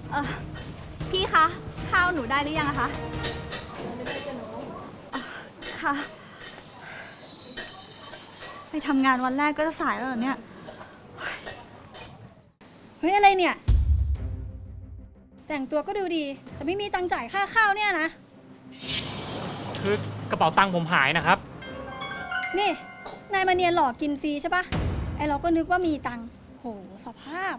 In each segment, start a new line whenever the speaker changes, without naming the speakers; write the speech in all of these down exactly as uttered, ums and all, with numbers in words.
เออพี่คะ ข้าวหนูได้หรือยังอะคะไม่ได้จ้ะหนูค่ะ ไปทำงานวันแรกก็จะสายแล้วเหรอเนี่ย
เฮ้ยอะไรเนี่ย แต่งตัวก็ดูดี แต่ไม่มีตังค์จ่ายค่าข้าวเนี่ยนะ
คือกระเป๋าตังค์ผมหายนะครับ
นี่นายมาเนียนหลอกกินฟรีใช่ปะไอเราก็นึกว่ามีตังค์โหสภาพ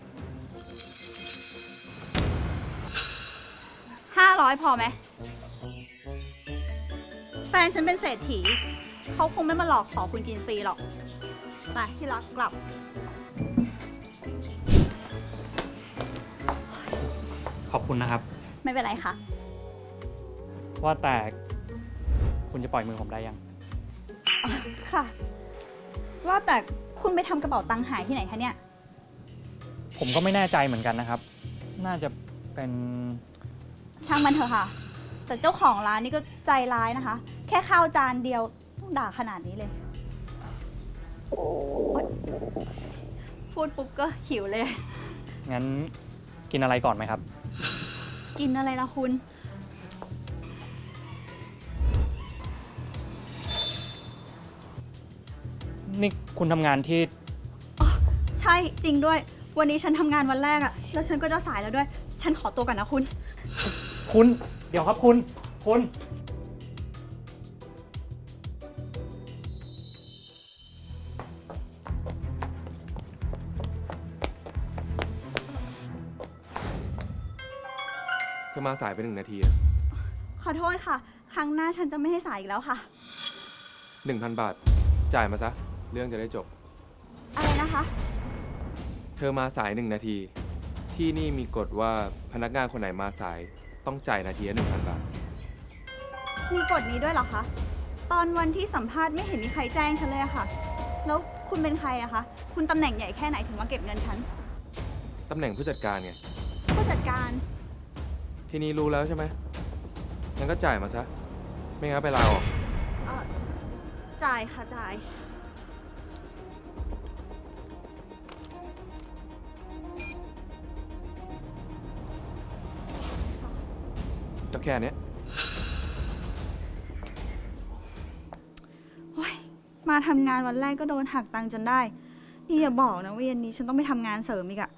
ห้าร้อยพอไหม แฟนฉันเป็นเศรษฐี เขาคงไม่มาหลอกขอคุณกินฟรีหรอก ไปที่รักกลับ
ขอบคุณนะครับ
ไม่เป็นไรค่ะ
ว่าแต่คุณจะปล่อยมือผมได้ยัง
ค่ะ ว่าแต่คุณไปทำกระเป๋าตังค์หายที่ไหนคะเนี่ย
ผมก็ไม่แน่ใจเหมือนกันนะครับ น่าจะเป็น
ช่างมันเถอะค่ะ แต่เจ้าของร้านนี่ก็ใจร้ายนะคะ แค่ข้าวจานเดียวต้องด่าขนาดนี้เลยโอ๊ยพูดปุ๊บก็หิวเลย
งั้นกินอะไรก่อนไหมครับ
กินอะไรล่ะคุณ
นี่คุณทำงานที่
ใช่จริงด้วย วันนี้ฉันทำงานวันแรกอะแล้วฉันก็จะสายแล้วด้วย ฉันขอตัวก่อนนะคุณ
คุณ เดี๋ยวครับคุณ คุณ
เธอมาสายไปหนึ่งนาทีอะ
ขอโทษค่ะ ครั้งหน้าฉันจะไม่ให้สายอีกแล้วค่ะ
หนึ่งพันบาท จ่ายมาซะ เรื่องจะได้จบ
อะไรนะคะ
เธอมาสายหนึ่งนาที ที่นี่มีกฎว่าพนักงานคนไหนมาสายต้องจ่ายนาทีละหนึ่งพันบาท
มีกฎนี้ด้วยเหรอคะ ตอนวันที่สัมภาษณ์ไม่เห็นมีใครแจ้งฉันเลยอะค่ะ แล้วคุณเป็นใครอะคะ คุณตำแหน่งใหญ่แค่ไหนถึงมาเก็บเงินฉัน
ตำแหน่งผู้จัดการไง
ผู้จัดการ
ทีนี้รู้แล้วใช่ไหมงั้นก็จ่ายมาซะ ไม่งั้นไปลาออก
เอ่อ จ่ายค่ะจ่าย
ก็แค่เนี้ย
โอ๊ย มาทำงานวันแรกก็โดนหักตังค์จนได้ นี่อย่าบอกนะว่าเย็นนี้ฉันต้องไปทำงานเสริมอีกอะ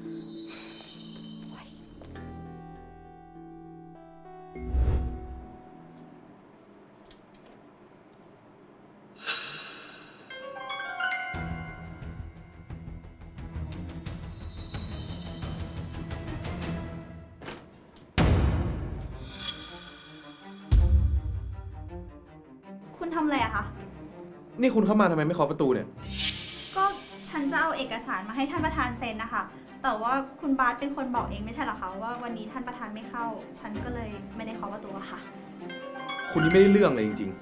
คุณทำอะไรอะคะ
นี่คุณเข้ามาทำไมไม่เคาะประตูเนี่ย
ก็ฉันจะเอาเอกสารมาให้ท่านประธานเซ็นนะคะ แต่ว่าคุณบาสเป็นคนบอกเองไม่ใช่เหรอคะว่าวันนี้ท่านประธานไม่เข้า ฉันก็เลยไม่ได้เคาะประตูอะค่ะ
คุณนี่ไม่ได้เรื่องเลยจริง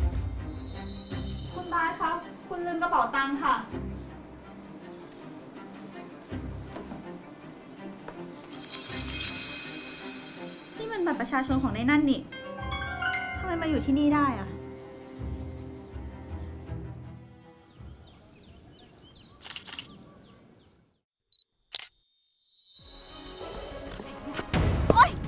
คุณบาสคะคุณลืมกระเป๋าตังค์ค่ะ นี่มันบัตรประชาชนของในนั่นนี่ทำไมมาอยู่ที่นี่ได้อะโอ๊ย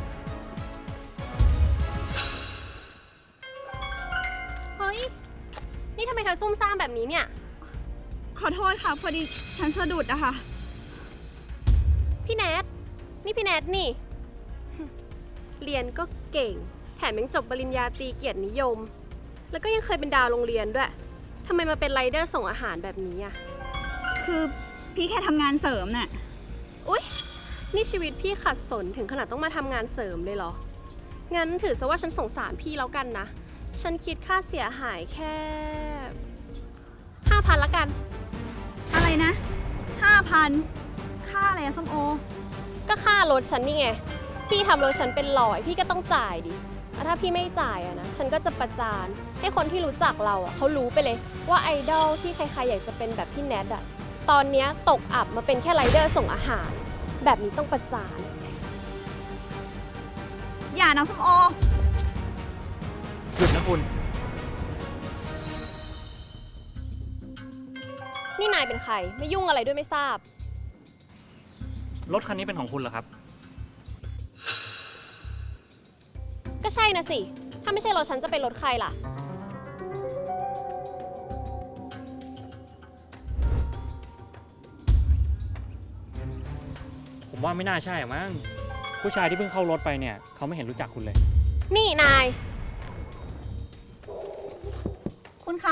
เฮ้ย นี่ทำไมเธอซุ่มซ่ามแบบนี้เนี่ย
ขอโทษค่ะ พอดีฉันสะดุดอะค่ะ
พี่แนท นี่พี่แนทนี่ เรียนก็เก่ง แถมยังจบปริญญาตรีเกียรตินิยม แล้วก็ยังเคยเป็นดาวโรงเรียนด้วย ทำไมมาเป็นไรเดอร์ส่งอาหารแบบนี้อ่ะ
คือพี่แค่ทำงานเสริมน่ะ
อุ๊ย นี่ชีวิตพี่ขัดสนถึงขนาดต้องมาทำงานเสริมเลยเหรอ งั้นถือซะว่าฉันสงสารพี่แล้วกันนะ ฉันคิดค่าเสียหายแค่ห้าพันละกัน
อะไรนะห้าพันค่าอะไรอะส้มโอ
ก็ค่ารถฉันนี่ไง พี่ทำรถฉันเป็นร้อยพี่ก็ต้องจ่ายดิแล้วถ้าพี่ไม่จ่ายอะนะ ฉันก็จะประจานให้คนที่รู้จักเราอะเขารู้ไปเลยว่าไอดอลที่ใครๆอยากจะเป็นแบบพี่แนทอะตอนเนี้ยตกอับมาเป็นแค่ไรเดอร์ส่งอาหาร แบบนี้ต้องประจาน
อย่านะส้มโอ
หยุดนะคุณ
นี่นายเป็นใครไม่ยุ่งอะไรด้วยไม่ทราบ
รถคันนี้เป็นของคุณเหรอครับ
ใช่นะสิ ถ้าไม่ใช่รถฉันจะเป็นรถใครล่ะ
ผมว่าไม่น่าใช่อะมั้ง ผู้ชายที่เพิ่งเข้ารถไปเนี่ยเขาไม่เห็นรู้จักคุณเลย
นี่นาย
คุณคะ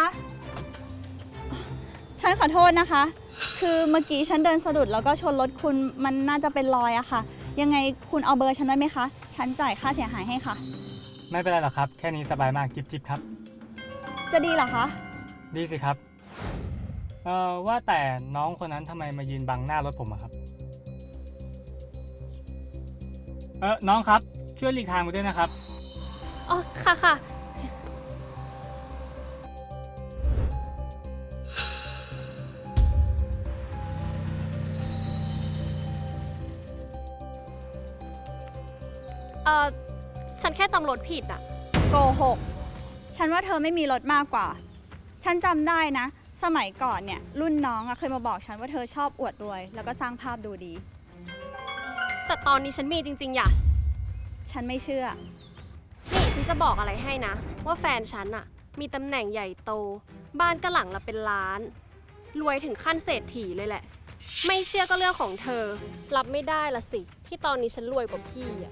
ฉันขอโทษนะคะ คือเมื่อกี้ฉันเดินสะดุดแล้วก็ชนรถคุณมันน่าจะเป็นรอยอะค่ะ ยังไงคุณเอาเบอร์ฉันไว้ไหมคะ ฉันจ่ายค่าเสียหายให้ค่ะ
ไม่เป็นไรหรอกครับ แค่นี้สบายมากจิบจิบครับ
จะดีเหรอคะ
ดีสิครับ เอ่อว่าแต่น้องคนนั้นทำไมมายืนบังหน้ารถผมอะครับ เออน้องครับ ช่วยหลีกทางไปด้วยนะครับ
อ๋อ ค่ะค่ะ เอ่อ ฉันแค่จำรถผิดอะ
โกหก ฉันว่าเธอไม่มีรถมากกว่า ฉันจำได้นะ สมัยก่อนเนี่ยรุ่นน้องอะเคยมาบอกฉันว่าเธอชอบอวดรวย แล้วก็สร้างภาพดูดี
แต่ตอนนี้ฉันมีจริงๆ อย่ะ
ฉันไม่เชื่อ
นี่ฉันจะบอกอะไรให้นะ ว่าแฟนฉันอะมีตำแหน่งใหญ่โต บ้านก็หลังละเป็นล้าน รวยถึงขั้นเศรษฐีเลยแหละ ไม่เชื่อก็เรื่องของเธอ รับไม่ได้ละสิ ที่ตอนนี้ฉันรวยกว่าพี่อะ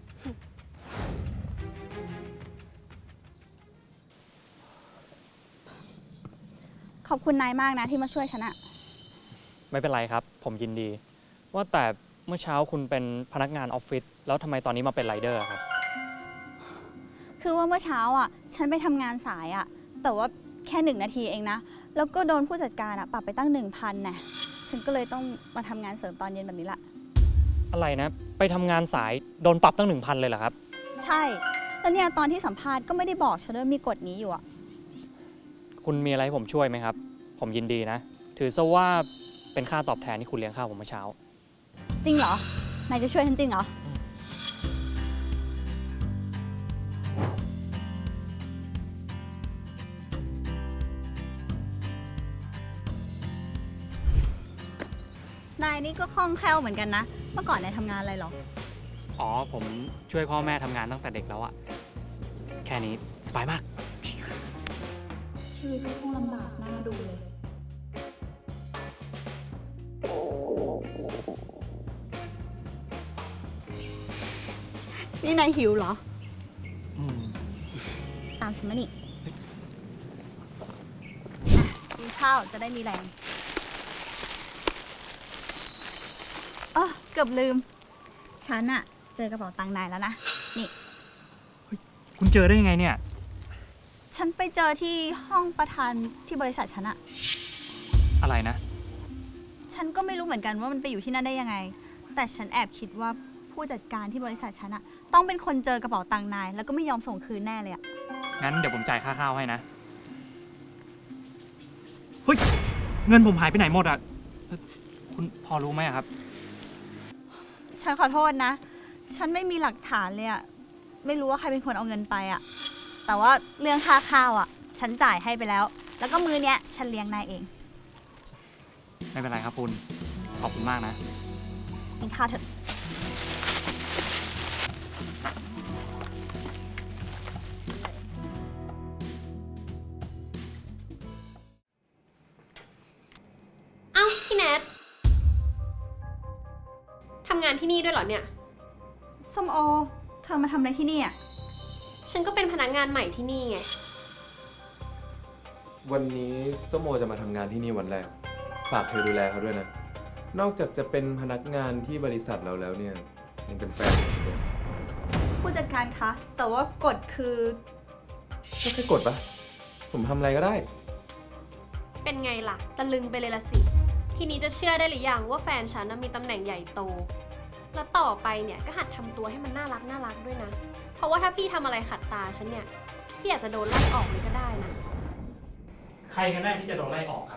ขอบคุณนายมากนะที่มาช่วยฉันอะ
ไม่เป็นไรครับ ผมยินดี ว่าแต่เมื่อเช้าคุณเป็นพนักงานออฟฟิศแล้วทำไมตอนนี้มาเป็นไรเดอร์อะครับ
คือว่าเมื่อเช้าอ่ะ ฉันไปทำงานสายอ่ะ แต่ว่าแค่หนึ่งนาทีเองนะ แล้วก็โดนผู้จัดการอ่ะปรับไปตั้งหนึ่งพันน่ะฉันก็เลยต้องมาทำงานเสริมตอนเย็นแบบนี้ละ
อะไรนะ ไปทำงานสายโดนปรับตั้งหนึ่งพันเลยเหรอครับ
ใช่ แล้วเนี่ยตอนที่สัมภาษณ์ก็ไม่ได้บอกฉันด้วยมีกฎนี้อยู่อ่ะ
คุณมีอะไรให้ผมช่วยไหมครับ ผมยินดีนะ ถือซะว่าเป็นค่าตอบแทนที่คุณเลี้ยงข้าวผมเมื่อเช้า
จริงเหรอ นายจะช่วยฉันจริงเหรอ นายนี่ก็คล่องแคล่วเหมือนกันนะ เมื่อก่อนนายทำงานอะไรหรอ
อ๋อ ผมช่วยพ่อแม่ทำงานตั้งแต่เด็กแล้วอะแค่นี้สบายมาก
ชีวิตก็คงลำบากน่าดูเลย นี่นายหิวเหรอ
อืม
ตามฉันมานี่อ่ะกินข้าวจะได้มีแรงเออเกือบลืม ฉันอะเจอกระเป๋าตังค์นายแล้วนะ นี่
คุณเจอได้ยังไงเนี่ย
ฉันไปเจอที่ห้องประธานที่บริษัทฉันอะ
อะไรนะ
ฉันก็ไม่รู้เหมือนกันว่ามันไปอยู่ที่นั่นได้ยังไง แต่ฉันแอบคิดว่าผู้จัดการที่บริษัทฉันอะต้องเป็นคนเจอกระเป๋าตังค์นาย แล้วก็ไม่ยอมส่งคืนแน่เลยอะ
งั้นเดี๋ยวผมจ่ายค่าข้าวให้นะ เฮ้ย เงินผมหายไปไหนหมดอ่ะเอ่อคุณพอรู้ไหมอะครับ
ฉันขอโทษนะ ฉันไม่มีหลักฐานเลยอะไม่รู้ว่าใครเป็นคนเอาเงินไปอะแต่ว่าเรื่องค่าข้าวอะฉันจ่ายให้ไปแล้ว แล้วก็มื้อเนี้ยฉันเลี้ยงนายเอง
ไม่เป็นไรครับคุณ ขอบคุณมากนะ
กินข้าวเถอะ
เอ้าพี่แนททำงานที่นี่ด้วยเหรอเนี่ย
ส้มโอ เธอมาทำอะไรที่นี่อะ
ฉันก็เป็นพนักงานใหม่ที่นี่ไง
วันนี้ส้มโอจะมาทำงานที่นี่วันแรก ฝากเธอดูแลเขาด้วยนะ นอกจากจะเป็นพนักงานที่บริษัทเราแล้วเนี่ยยังเป็นแฟนผมด้วย
ผู้จัดการคะ แต่ว่ากฎคือ
ก็แค่กดปะผมทำอะไรก็ได้
เป็นไงล่ะ ตะลึงไปเลยละสิ ทีนี้จะเชื่อได้หรือยังว่าแฟนฉันน่ะมีตำแหน่งใหญ่โต แล้วต่อไปเนี่ยก็หัดทำตัวให้มันน่ารักน่ารักด้วยนะ เพราะว่าถ้าพี่ทำอะไรขัดตาฉันเนี่ย พี่อาจจะโดนไล่ออกเลยก็ได้นะ
ใครกันแน่ที่จะโดนไล่ออกครับ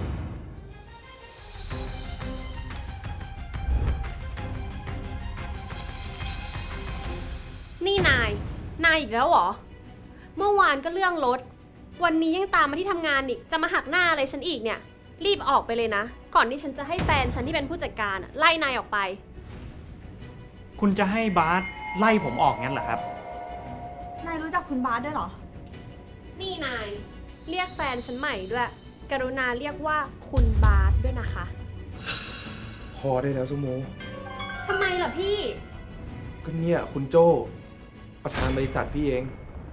นี่นาย นายอีกแล้วเหรอ เมื่อวานก็เรื่องรถ วันนี้ยังตามมาที่ทำงานอีก จะมาหักหน้าอะไรฉันอีกเนี่ย รีบออกไปเลยนะ ก่อนที่ฉันจะให้แฟนฉันที่เป็นผู้จัดการอะไล่นายออกไป
คุณจะให้บาสไล่ผมออกงั้นเหรอครับ
นายรู้จักคุณบาสด้วยเหรอ
นี่นาย เรียกแฟนฉันใหม่ด้วย กรุณาเรียกว่าคุณบาสด้วยนะคะ
พอได้แล้วสมโม
ทำไมล่ะพี่
ก็เนี่ยคุณโจ้ประธานบริษัทพี่เอง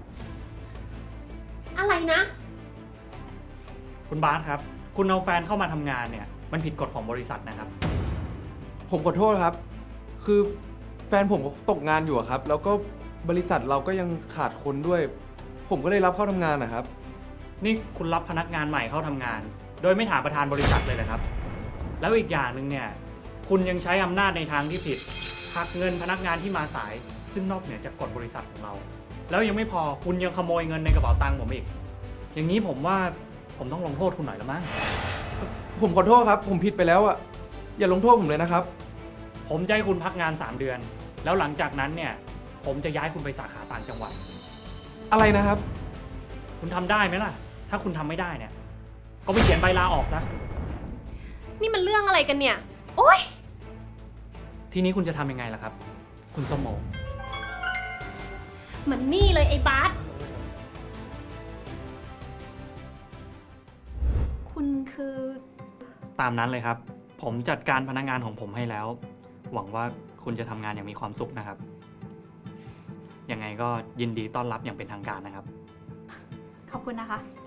อะไรนะ
คุณบาสครับ คุณเอาแฟนเข้ามาทำงานเนี่ย มันผิดกฎของบริษัทนะครับ
ผมขอโทษครับ คือแฟนผมก็ตกงานอยู่อะครับ แล้วก็บริษัทเราก็ยังขาดคนด้วย ผมก็เลยรับเข้าทำงานนะครับ
นี่คุณรับพนักงานใหม่เข้าทำงาน โดยไม่ถามประธานบริษัทเลยเหรอครับ แล้วอีกอย่างหนึ่งเนี่ย คุณยังใช้อำนาจในทางที่ผิดหักเงินพนักงานที่มาสาย ซึ่งนอกเหนือจากกฎบริษัทของเรา แล้วยังไม่พอคุณยังขโมยเงินในกระเป๋าตังค์ผมอีก อย่างนี้ผมว่าผมต้องลงโทษคุณหน่อยละมั้ง
ผมขอโทษครับ ผมผิดไปแล้วอะอย่าลงโทษผมเลยนะครับ
ผมจะให้คุณพักงานสามเดือน แล้วหลังจากนั้นเนี่ย ผมจะย้ายคุณไปสาขาต่างจังหวัด
อะไรนะครับ
คุณทำได้ไหมล่ะ ถ้าคุณทำไม่ได้เนี่ย ก็ไปเขียนใบลาออกซะ
นี่มันเรื่องอะไรกันเนี่ย โอ๊ย
ทีนี้คุณจะทำยังไงล่ะครับ คุณสมโม
มันนี่เลยไอ้บาส
คุณคือ
ตามนั้นเลยครับ ผมจัดการพนักงานของผมให้แล้ว หวังว่าคุณจะทำงานอย่างมีความสุขนะครับ ยังไงก็ยินดีต้อนรับอย่างเป็นทางการนะครับ
ขอบคุณนะคะ